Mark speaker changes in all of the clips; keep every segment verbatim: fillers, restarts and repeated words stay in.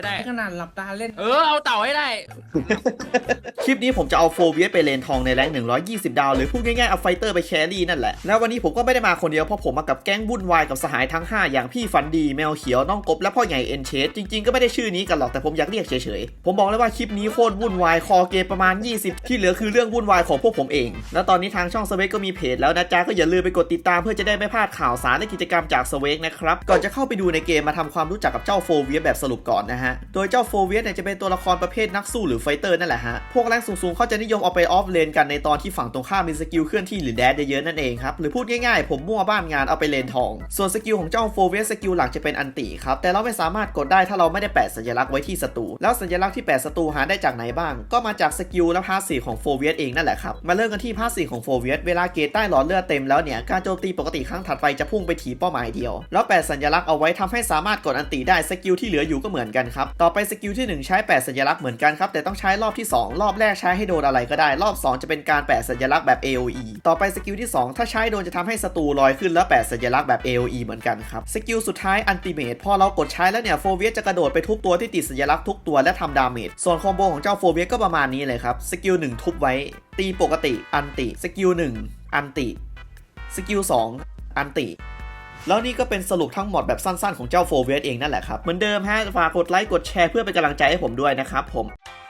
Speaker 1: ได้
Speaker 2: ขนาดหลับตาเล่น
Speaker 1: เออเอาเต่าให้ได้
Speaker 3: คลิปนี้ผมจะเอาโฟเวียสไปเลนทองในแรงหนึ่งร้อยยี่สิบดาวหรือพูดง่ายๆเอาไฟเตอร์ไปแครี่นั่นแหละแล้ววันนี้ผมก็ไม่ได้มาคนเดียวเพราะผมมากับแก๊งวุ่นวายกับสหายทั้งห้าอย่างพี่ฟันดีแมวเขียวน้องกบและพ่อใหญ่เอ็นเชสจริงๆก็ไม่ได้ชื่อนี้กันหรอกแต่ผมอยากเรียกเฉยๆผมบอกเลยว่าคลิปนี้โคตรวุ่นวายคอเกมประมาณยี่สิบที่เหลือคือเรื่องวุ่นวายของพวกผมเองแล้วตอนนี้ทางช่องสเวกก็มีเพจแล้วนะจ๊ะก็อย่าลืมไปกดติดตามเพื่อจะได้ไม่พลาดข่าวสารและกิจกรรมจากสเวกนะครับก่อนจะเข้าไปดูในเกมมาทำความรู้จักกับเจ้าโฟเวียสแบบสรุปก่อนนะฮะโดยเจ้าโฟเวียสเนี่ยจะเป็นตัวละครประเภทนักสู้หรือไฟเตอร์นั่นแหละฮะพวกแรงสูงๆเขาจะนิยมเอาไปออฟเลนกันในตอนที่ฝั่งตรงข้ามมีสกิลเคลื่อนที่หรือแดดเยอะๆนั่นเองครับหรือพูดง่ายๆผมมั่วบ้านงานเอาไปเลนทองส่วนสกิลของเจ้าโฟเวียสสกิลหลักจะเป็นอันติครับแต่เราไม่สามารถกดได้ถ้าเราไม่ได้แปะสัญลักษณ์ไว้ที่ศัตรูแล้วสัญลักษณ์ที่แปะศัตรูหาได้จากไหนบ้างก็มาจากสกิลและพาสซีฟของโฟเวียสเองนั่นแหละครับมาเริ่มกันที่พาสซีฟของโฟเวียสเวลาเกรดใต้หลอดเลือดเต็มแล้วเนี่ยการโจมตีปกติครั้งถัดไปจะพุ่งไปถีบเป้าหมายเดียวแล้วแปะสัญลักษณ์เอาไว้ทำให้สามารถกดอันติได้สกิลที่เหลืออยู่ก็เหมือนกันครับต่อไปสกิลที่หนึ่งใช้แปะสัญลักษณ์เหมือนกันครับแต่ต้องใช้รอบที่สองรอบแรกใช้ให้โดนอะไรก็ได้รอบสองจะเป็นการแปะสัญลักษณ์แบบ เอ โอ อี ต่อไปสกิลที่สองถ้าใช้โดนจะทำให้ศัตรูลอยขึ้นแล้วแปะสัญลักษณ์แบบ เอ โอ อี เหมือนกันครับสกิลสุดท้ายอันติเมทพอเรากดใช้แล้วเนี่ยโฟเวียสจะกระโดดไปทุบตัวที่ติดสัญลักษณ์ทุกตัวและทำดาเมจส่วนคอมโบของเจ้าโฟเวียสก็ประมาณนี้เลยครับสกิลหนึ่งทุบไว้ตีปกติอันติสกิลหนึ่งอันติสกิลสองอันติแล้วนี่ก็เป็นสรุปทั้งหมดแบบสั้นๆของเจ้าโฟเวียสเองนั่นแหละครับเหมือนเดิมฮะฝากกดไลค์กดแชร์เพื่อเป็นกำลังใจให้ผมด้วยนะครับผม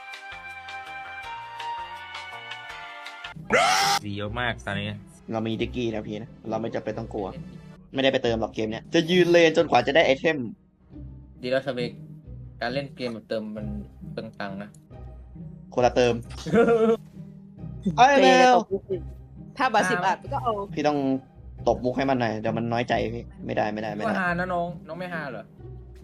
Speaker 1: ดีเยอะมากตอนนี้
Speaker 3: เรามีดิกกี้นะพี่นะเราไม่จำเป็นต้องกลัวไม่ได้ไปเติมหรอกเกมเนี้ยจะยืนเลนจนกว่าจะได้ไอเทม
Speaker 2: ดีแล้วสเปกการเล่นเกมแบบเติมมันเปลืองตังค์นะ
Speaker 3: คนละเติมไอ้แมว
Speaker 4: ถ้าบาทสิบบาทก็เอา
Speaker 3: พี่ต้องตบมุกให้มันหน่อยเดี๋ยวมันน้อยใจพี่ไม่ได้ไม่ได้ไม่
Speaker 2: ไม่
Speaker 3: ได้
Speaker 2: ฮานะน้องน้องไม่ฮาเหรอ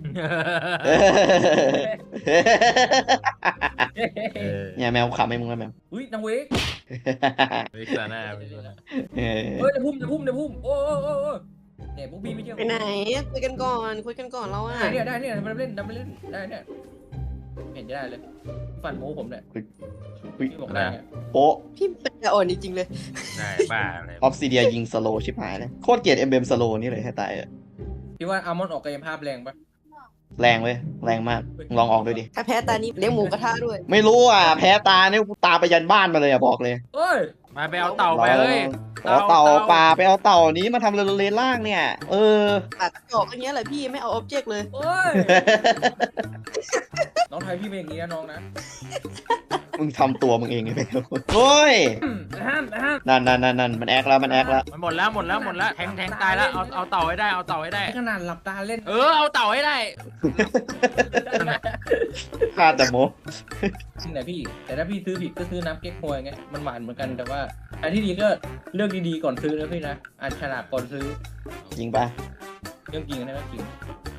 Speaker 3: เนี่ยแมวขำให้มึงแล้วแมว
Speaker 2: อุ้ยนางเวก
Speaker 1: วิกซาน่าวิกซาน่า
Speaker 3: เออ
Speaker 2: เฮ้ยในพุ่มในพุ่มในพุ่มโอ้โอ้โอ้โอ้เนี่ยพวกพี่ไม่เชื่อ
Speaker 4: ไปไหนคุยกันก่อนคุยกันก่อนเราอ่ะ
Speaker 2: ได้เนี่ยได้เนี่ยมันเล่นมันเล่นได้เนี่ยเห็นได้เลยฟันโม้ผมเนี่ยพี่บอกได้เนี่ย
Speaker 3: โป๊ะ
Speaker 4: พี่เป็นอ่อนจริงๆเลย
Speaker 1: ได้บ้าอะไร
Speaker 3: ออฟซิเดียยิงสโลชิบหายเลยโคตรเกลียดเอ็มเบมสโลนี่เลยให้ตายอะ
Speaker 2: พี่ว่าอัลมอนด์ออกกายภาพแรงปะ
Speaker 3: แรงเว้ยแรงมากลองออกดูดิ
Speaker 4: ถ้าแพ้ตานี้เลี้ยงหมูกระทะด้วย
Speaker 3: ไม่รู้อ่ะแพ้ตาเนี่ยกูตาไปยันบ้านมาเลยอ่ะบอกเลย
Speaker 2: เอ้ย
Speaker 1: มาไปเอาเต่าไปเลย
Speaker 3: เอาเต่าป่าไปเอาเต่านี้มาทำเรเลนล่างเนี่ยเออ
Speaker 4: ปากจอกอย่างเงี้ยแหละพี่ไม่เอาออบเจกต์เลย
Speaker 2: เอ้ยน้องไทยพี่เป็นอย่างนี้นะน้องนะ
Speaker 3: มึงทำตัวมึงเองไงไปโอ้ย
Speaker 2: ห้ามห้าม
Speaker 3: นั่นนั่นนั่นนั่นมันแอคแล้วมันแอคแล้ว
Speaker 1: มันหมดแล้วหมดแล้วหมดแล้วแทงแทงตายแล้วเอาเอาเต่าให้ได้เอาเต่าให้ได้
Speaker 2: ขนาดหลับตาเล่น
Speaker 1: เออเอาเต่าให้ได้
Speaker 3: ฆ่าแต่โม
Speaker 2: จริงแหละพี่แต่ถ้าพี่ซื้อผิดก็ซื้อน้ำเก๊กฮวยไงมันหวานเหมือนกันแต่ว่าอันที่ดีก็เลือกดีๆก่อนซื้อนะพี่นะอ่านฉลากก่อนซื้อ
Speaker 3: จริงปะ
Speaker 2: เรื่องจริงนะเรื่องจริง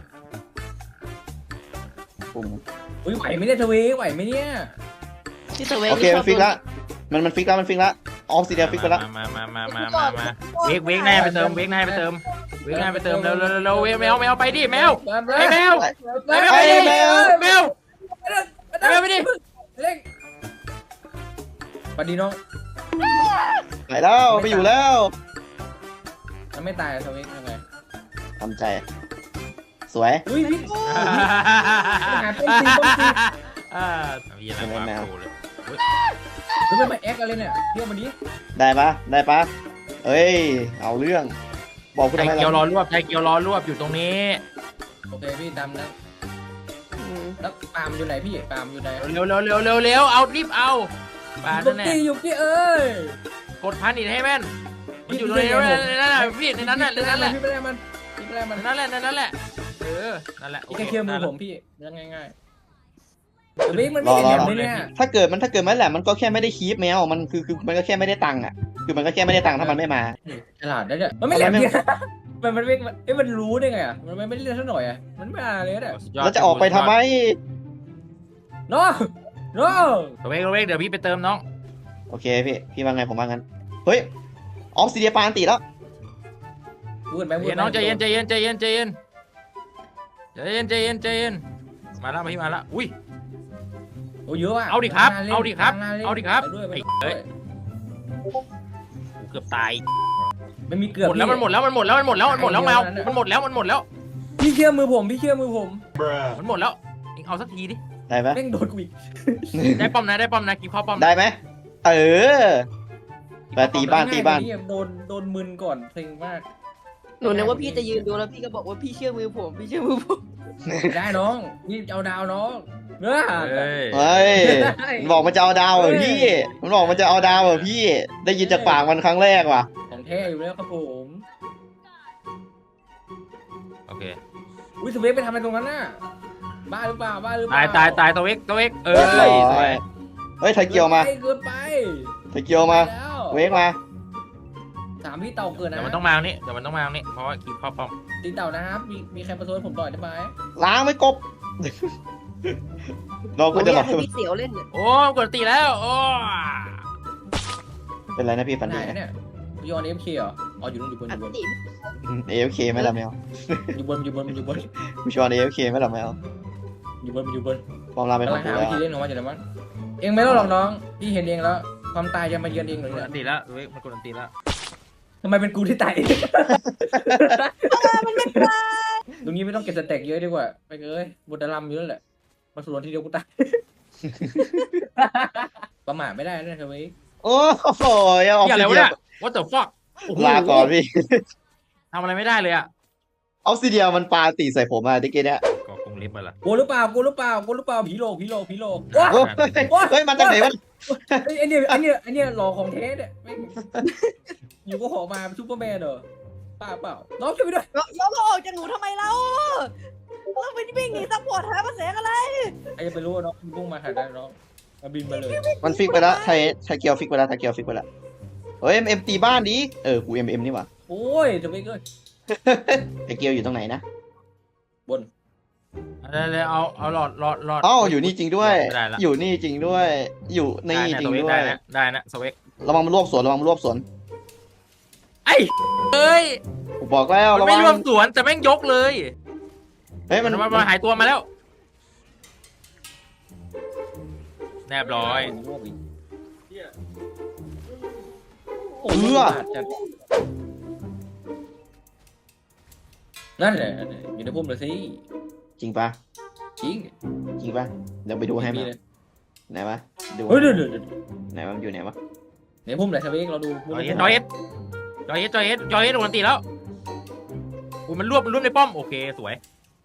Speaker 3: ปุ่ม
Speaker 2: อุ้ยไหวไหมเนี่ยทเวไหวไหมเนี่ย
Speaker 4: ที่เซเว่น
Speaker 3: โอเคมันฟิกแล้วมันมันฟิกแล้วมันฟิกแล้วออฟซิเดียฟิกไปแล้ว
Speaker 1: มามามามามามาเวกเวกแน่ไปเติมเวกแน่ไปเติมเวกแน่ไปเติมเร็วเร็วเร็วเวกแมวแมวไปดิแมวไอ้แมวไอ้แมวไปดิแมวแมวแมวไปดิ
Speaker 2: เล่งสวัสดีน้อง
Speaker 3: ไหนแล้วไปอยู่แล้ว
Speaker 2: มันไม่ตายทเวยังไง
Speaker 3: ทำใจ สวย
Speaker 2: อุ้ยพี่หาต้นตีต้นตี
Speaker 1: อ่ามีอะไรวะโผล่เลย
Speaker 2: หรือมันมาแอคอะไรเนี่ยเที่ยวมาดิ
Speaker 3: ได้ปะได้ปะเอ้ยเอาเรื่องบอกกู
Speaker 1: ใจ
Speaker 3: ทำไม
Speaker 1: เกียวร
Speaker 3: ล่ะ
Speaker 1: อรวบใจเกียวรอรวบอยู่ตรงนี้
Speaker 2: โอเคพี่ตามนะแล้วปาล์มอยู่ไหนพี่ปาล์มอยู่ไหน
Speaker 1: เร็วเร็วเร็วเร็วเร็วเอารีบเอาปา
Speaker 2: ยุ
Speaker 1: นั่นแหละ
Speaker 2: กี้ยุกี้เอ้ย
Speaker 1: กดพันอีกให้แม่นมันอยู่ตรงนี้ในนั้นแหละพี่ในนั้นแหละในนั้นแหละ
Speaker 2: พี่ไม่ได้มันพี่ไม่ได้มัน
Speaker 1: ในนั้นแหละในนั้นแหละเออนั่นแหละ
Speaker 2: แค่เคี่ยวมือผมพี่เรื่องง่ายๆแต่เบกมันไม่เห็นแบบนี้เนี่ย
Speaker 3: ถ้าเกิดมันถ้าเกิดมันแหละมันก็แค่ไม่ได้คีปแมวมันคือคือมันก็แค่ไม่ได้ตังค์อ่ะคือมันก็แค่ไม่ได้ตังค์ถ้ามันไม่มา
Speaker 2: ฉลาดได้เนี่ยมันไม่แหลมเนี่ยมันมันไม่เอ้ยมันรู้ได้ไงอ่ะมันไม่ได้เรียนสักหน่อยอ่ะมันไม่มาเลยเนี่ย
Speaker 3: แล้วจะออกไปทำไม
Speaker 2: น้องน้อง
Speaker 1: เวกเวกเดี๋ยวพี่ไปเติมน้อง
Speaker 3: โอเคพี่พี่ว่าไงผมว่างั้นเฮ้ยออฟซิเดียปาอันติแล้ว
Speaker 2: พูดไหมพูด
Speaker 1: เย็นน้องใจเย็นใจเย็นใจเย็นใจเย็นใจเย็นใจเย็นใจเย็นมาแล้วพี่มาแล้วอุ้ย
Speaker 2: โอ้เยอะอ่ะ
Speaker 1: เอาดิครับเอาดิครับเอาดิครับ
Speaker 2: ด้วย
Speaker 1: ไอ้เอ้ย เกือบตาย
Speaker 2: ไม่มีเกือบ
Speaker 1: หมดแล้วมันหมดแล้วมันหมดแล้วมันหมดแล้วมันหมดแล้วแมวมันหมดแล้วมันหมดแล้ว
Speaker 2: พี่เชื่อมือผมพี่เชื่อมือผม
Speaker 1: มันหมดแล้วงเอาสักทีดิ
Speaker 3: ได้ไหม
Speaker 2: แม่งโดนกูอีก
Speaker 1: ได้ป้อมนะได้ป้อมนะกินข้อป้อม
Speaker 3: ได้ไหมเออไปตีบ้านตีบ้าน
Speaker 2: ง่ยกว่โดนโดนมึนก่อนเซ็งมาก
Speaker 4: หนูนึกว่าพี่จะยืนดูแล้วพี่ก็บอกว่าพี่เชื่อมือผมพี่เชื่อมือผม
Speaker 2: ได้น้องพี่เอาดาวน้องเนื้อ
Speaker 1: เฮ้ย
Speaker 3: เฮ้ยมันบอกมันจะเอาดาวเหรอพี่ มันบอกมันจะเอาดาวเหรอพี่ ได้ยินจากปากมันครั้งแรกว่ะ
Speaker 2: ของแท้อยู่แล้วครับผม
Speaker 1: โอเค
Speaker 2: อุ้ยสเวกไปทำอะไรตรงนั้นน่ะบ้าหรือเปล่าบ้าหรือเป
Speaker 1: ตา
Speaker 2: ล่าย
Speaker 1: ตายตายตัวเอ็กตัวเอ็กเอ
Speaker 3: เรี
Speaker 1: อย
Speaker 3: บร้อย
Speaker 1: สวย
Speaker 3: เฮ้ยไทเกียวมา
Speaker 2: เกินไป
Speaker 3: ไทเกียวมา
Speaker 2: แล้ว
Speaker 3: เวกมา
Speaker 2: สามพี่เต่าเกินนะ
Speaker 1: เดี๋ยวมันต้องมาตรงนี้เดี๋ยวมันต้องมาตรงนี้เพราะว่ากินข้อป้อม
Speaker 2: ตีเต่านะครับมีมีใครมาโซนผมต่อยได้ไหม
Speaker 3: ล้างไม่กบ เรา
Speaker 4: ผ
Speaker 3: ก็
Speaker 4: ม
Speaker 3: จะ
Speaker 4: อ
Speaker 3: แบ
Speaker 4: ยาก
Speaker 3: บ
Speaker 4: ให้พี่เสียวเล่นเนี่ย
Speaker 1: โอ้กดตีแล้วโอ้
Speaker 3: เป็นไรนะพี่ฟัน
Speaker 2: ไหน
Speaker 3: ดี
Speaker 2: เนี่ยยอนเอฟเคเหรออ๋ออยู่นู่นอยู่บนอ
Speaker 4: อั
Speaker 2: ยู่บน
Speaker 4: ติ
Speaker 3: เอฟเคไม่ละแมว
Speaker 2: อยู่บนอยู่บนอยู่บน
Speaker 3: ผู้ชอนเอฟเคไม่ละแมว
Speaker 2: อยู่บนอยู่บน
Speaker 3: ความลาเป็นข
Speaker 2: กำ
Speaker 3: อ
Speaker 2: ลั
Speaker 3: ง
Speaker 2: ง
Speaker 3: กู
Speaker 2: หา
Speaker 3: แล้
Speaker 2: วิ
Speaker 3: ว
Speaker 2: ธีเล่นของมันอยู่แล้วมั้งเองไม่ต้องหรอกน้องพี่เห็นเองแล้วความตายจะมาเยือนเองเลย
Speaker 1: ก
Speaker 2: เนี่
Speaker 1: ด
Speaker 2: ย
Speaker 1: ตีแล้วตัวเอ็กมันกดตีแล้ว
Speaker 2: ทำไมเป็นกูที่ตายตรงนี้ไม่ต้องเก็บสเต็กเยอะดีกว่าไปเลยบนดารัมเยอะแหละมาสู่ทีเดียวกูตายประมาทไม่ได้นะเธอเว้ย
Speaker 3: โอ้โหยังออก
Speaker 1: อย่า
Speaker 3: ซิ
Speaker 1: อะไรวะ
Speaker 3: เดีย
Speaker 1: เนี่ย what the fuck
Speaker 3: ลาก่อนพี่
Speaker 1: ทำอะไรไม่ได้เลยอ่ะ
Speaker 3: ออกซิเดียมันปาตีใส่ผมอะตะกี้เนี้ย
Speaker 1: ก็คงลิฟต์ไปละ
Speaker 2: กูหรือเปล่ากูหรือเปล่ากูหรือเปล่าผีโลกผีโลกผีโลก
Speaker 3: โอ้ยเฮ้ยมาจากไหนวะ
Speaker 2: ไอ้เนี่ยไอ้เนี่ยไอ้เนี่ยหลอกของเทสเนี่ยอยู่ก็หอมาซูเปอร์แมนเหรอป้าเปล่าน้องช่วยไปด้วย
Speaker 4: ยกออกจากหนูทำไมเราเราไปวิ่งหนีซัพพอร์ตหาภาษาอะไร
Speaker 2: ไอ้จะไปรู้ว่าน้องพุ่งมาหาได้น้องมาบินมาเลย
Speaker 3: มันฟิกไปแล้วไทยไทยเกียวฟิกไปแล้วไทยเกียวฟิกไปแล้วเฮ้ยเอ็มเอ็มตีบ้านดิเออกูเอ็มเอ็มนี่หว่า
Speaker 2: โอ้ยจะไปเกิน
Speaker 3: ไทยเกียวอยู่ตรงไหนนะ
Speaker 2: บน
Speaker 1: เอาเลยเอาเอาหลอดหลอดหลอด
Speaker 3: อ๋ออยู่นี่จริงด้วย
Speaker 1: ไม่ได้ละ
Speaker 3: อยู่นี่จริงด้วย อยู่นี่
Speaker 1: ได้
Speaker 3: จริ
Speaker 1: นะ
Speaker 3: ง
Speaker 1: ตัวเอ็ก
Speaker 3: ด้ว
Speaker 1: ได้
Speaker 3: ย
Speaker 1: นะได้นะสเวก
Speaker 3: ระวังมันรวบสวนระวังมันรวบสวน
Speaker 1: ไอ้เอ้ย
Speaker 3: กูบอกแล้ว
Speaker 1: มัน
Speaker 3: ระวั
Speaker 1: ไม่
Speaker 3: ง
Speaker 1: รวมสวนแต่แม่งยกเลย
Speaker 3: เฮ้ย
Speaker 1: มั
Speaker 3: มัน น
Speaker 1: มามาหายตัวมาแล้ว แนบร้อย
Speaker 2: โอ้ยนั่นแหละอยู่ในพุ่มเลยสิ
Speaker 3: จริงปะ
Speaker 2: จริง
Speaker 3: จริงปะเดี๋ยวไปดูให้
Speaker 2: มี
Speaker 3: มา
Speaker 2: เลย
Speaker 3: ไหนวะดู
Speaker 2: เฮ้ยเดี๋ยวเดี๋ยว
Speaker 3: ไหนวะมันอยู่ไหนวะ
Speaker 2: ในพุ่มไหนทวีเราดู
Speaker 1: จอยเอสจอยเอสจอยเอสจอยเอสจอยเอสโดนตีแล้วอุ้ยมันรวบมันรวบในป้อมโอเคสวย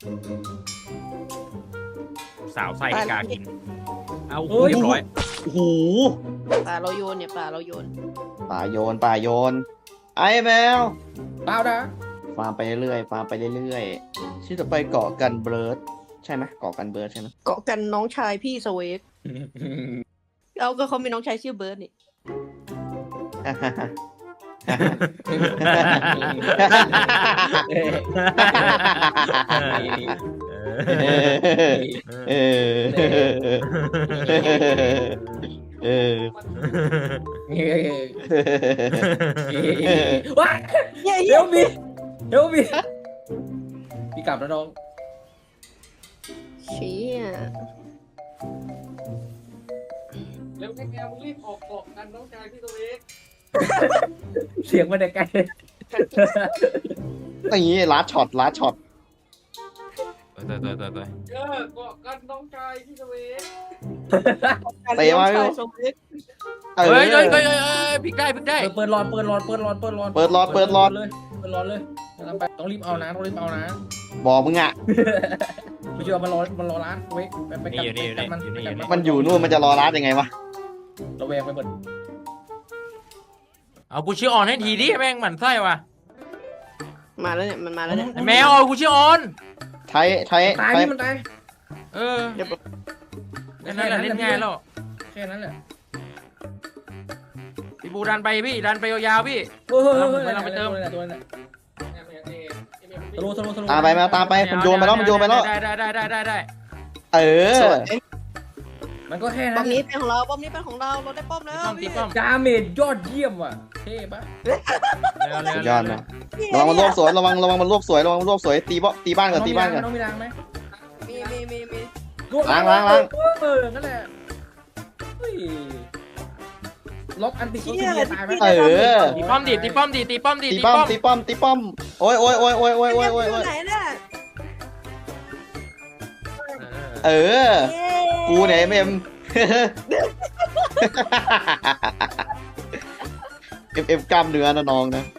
Speaker 1: สาวไส้ให้กากิน เอาเรียบร้อย
Speaker 3: โอ้โห
Speaker 4: ป่าเราโยนเนี่ยป่าเราโยน
Speaker 3: ป่าโยนป่าโยนไอ้แมว
Speaker 2: เปล่านะ
Speaker 3: ฟาร์มไปเรื่อยๆฟาร์มไปเรื่อยๆชื่อต่อไปเกาะกันเบิร์ดใช่ไหมเกาะกันเบิร์ดใช่ไหม
Speaker 4: เกาะกันน้องชายพี่สเวกเอาก็เขามีน้องชายชื่อเบิร์ดนี่
Speaker 3: เออเออ
Speaker 2: ว้า
Speaker 4: เย้
Speaker 2: เฮ
Speaker 4: เย้
Speaker 2: ลมีเฮลมีพี่กลับแล้วน้อง
Speaker 4: เชี่ย
Speaker 2: เร็วแกมึงรีบออกเกาะกันน้องชายพี่ตัวเองเสียงมันแต่ไกล
Speaker 3: อย่างนี้ลัดช็อตลัดช็อต
Speaker 1: เตยเตยเตยเตย
Speaker 2: เออเกาะกันน้องชายพี่ตัวเอง
Speaker 3: เตะมาอยู่
Speaker 4: น้องชยสเวก
Speaker 3: เออ
Speaker 1: เฮ้ยเฮ้ยเฮ้ยเฮ้ยพลิกได้พลิกได้
Speaker 2: เปิดหลอดเปิดหลอดเปิดหลอดเปิดหลอด
Speaker 3: เปิดหลอดเปิดหลอด
Speaker 2: เลยเปิดหลอดเลยต้องรีบเอานะต้องรีบเอานะ
Speaker 3: บอกมึงอ่ะ
Speaker 2: ไม่เชื่อมันรอมันรอร้านเว้ยไปไป
Speaker 1: นี่อยู่นี่อยู่
Speaker 2: กั
Speaker 1: นี่
Speaker 2: บมัน
Speaker 1: อยู่นี่อยู่นี่
Speaker 3: มันอยู่นู่นมันจะรอรัดยังไงวะ
Speaker 2: ระแวงไปหมด
Speaker 1: เอากูชื่อออนให้ทีดิแม่งหมั่นไส้ว่ะ
Speaker 4: มาแล้วเนี่ยมันมาแล้วเนี่ย
Speaker 1: ไอ้แมวเอากูชื่อออน
Speaker 3: ไทยไทย
Speaker 2: ตาย
Speaker 3: ไทย
Speaker 2: นี่มันตาย
Speaker 1: เออแค่นั้นแหละเล่นง่ายแล้ว
Speaker 2: แค่นั้นแหละ
Speaker 1: พี่บูดันไปพี่ดันไปยาวๆพี่
Speaker 2: เฮ้ยเฮ้ยเฮ้ย
Speaker 1: ไม่ต้องไปเติม
Speaker 2: ตัวนั้นตัวนั้นสโลว์สโลว์สโลว์
Speaker 3: ตามไปมาตามไปมันโยนไปแล้วมันโยนไปแล้ว
Speaker 1: ได้ได้ได้ได้ได้ได้
Speaker 3: เออ
Speaker 2: มันก็แค่
Speaker 4: ป้
Speaker 2: นั้
Speaker 4: อน มนี้เป็นของเราป้อมนี้เป็นของเราเราได้ป้อมแล้ว
Speaker 1: ป้อมตี
Speaker 4: พี่
Speaker 1: ป้อม
Speaker 2: ดาเมจยอดเยี่ยมว่ะเท่ปะ
Speaker 3: สุดยอดนะระวังมันรวบสวยระวังระวังมันรวบสวยระวังมันรวบสวยตีบ่ตีบ้านก่อนตีบ้านก่อน
Speaker 2: น้องมีรางไหม
Speaker 4: มีมีมีมี
Speaker 3: ล้างล้างล้าง
Speaker 2: เออนั่นแหละเฮ้ยล็อกอันติก็ตีตายไหม
Speaker 3: เออ
Speaker 1: ตีป้อมดิตีป้อมดิตีป้อมดิ
Speaker 3: ตีป้อมตีป้อมตีป้อมโอ้ยโอ้ยโอ้ยโอ้ยโอ้ยโอ้ยโอ้ย
Speaker 4: ไหนเนี่ย
Speaker 1: เออ
Speaker 3: เออ กูไหนเอ็มเอ็มเอ็มเอ็มกล้ามเนื้อนะน้องนะ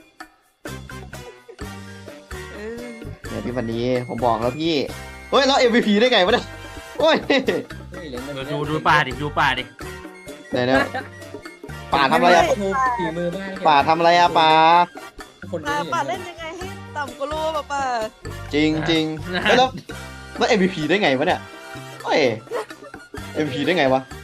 Speaker 3: เนี่ยพี่วันนี้ผมบอกแล้วพี่เฮ้ยแล้ว เอ็ม วี พี ได้ไงวะเนี่ยโอ้ย
Speaker 1: ดูดูป่าดิดูป่าดิ
Speaker 3: ไหนเนี่ยป่าทำอะไรอะ
Speaker 2: ฝีมือมาก
Speaker 3: ป่าทำอะไรอะป่า
Speaker 2: คน
Speaker 4: ป่า
Speaker 2: นี้
Speaker 4: ป่าเล่นยังไงให้ต่ำกว่าโลป่ะป่า
Speaker 3: จริงจริงเฮ้ยแล้วแล้ว เอ็ม วี พี ได้ไงวะเนี่ยเฮ้ย เอ็ม วี พี ได้ไงวะ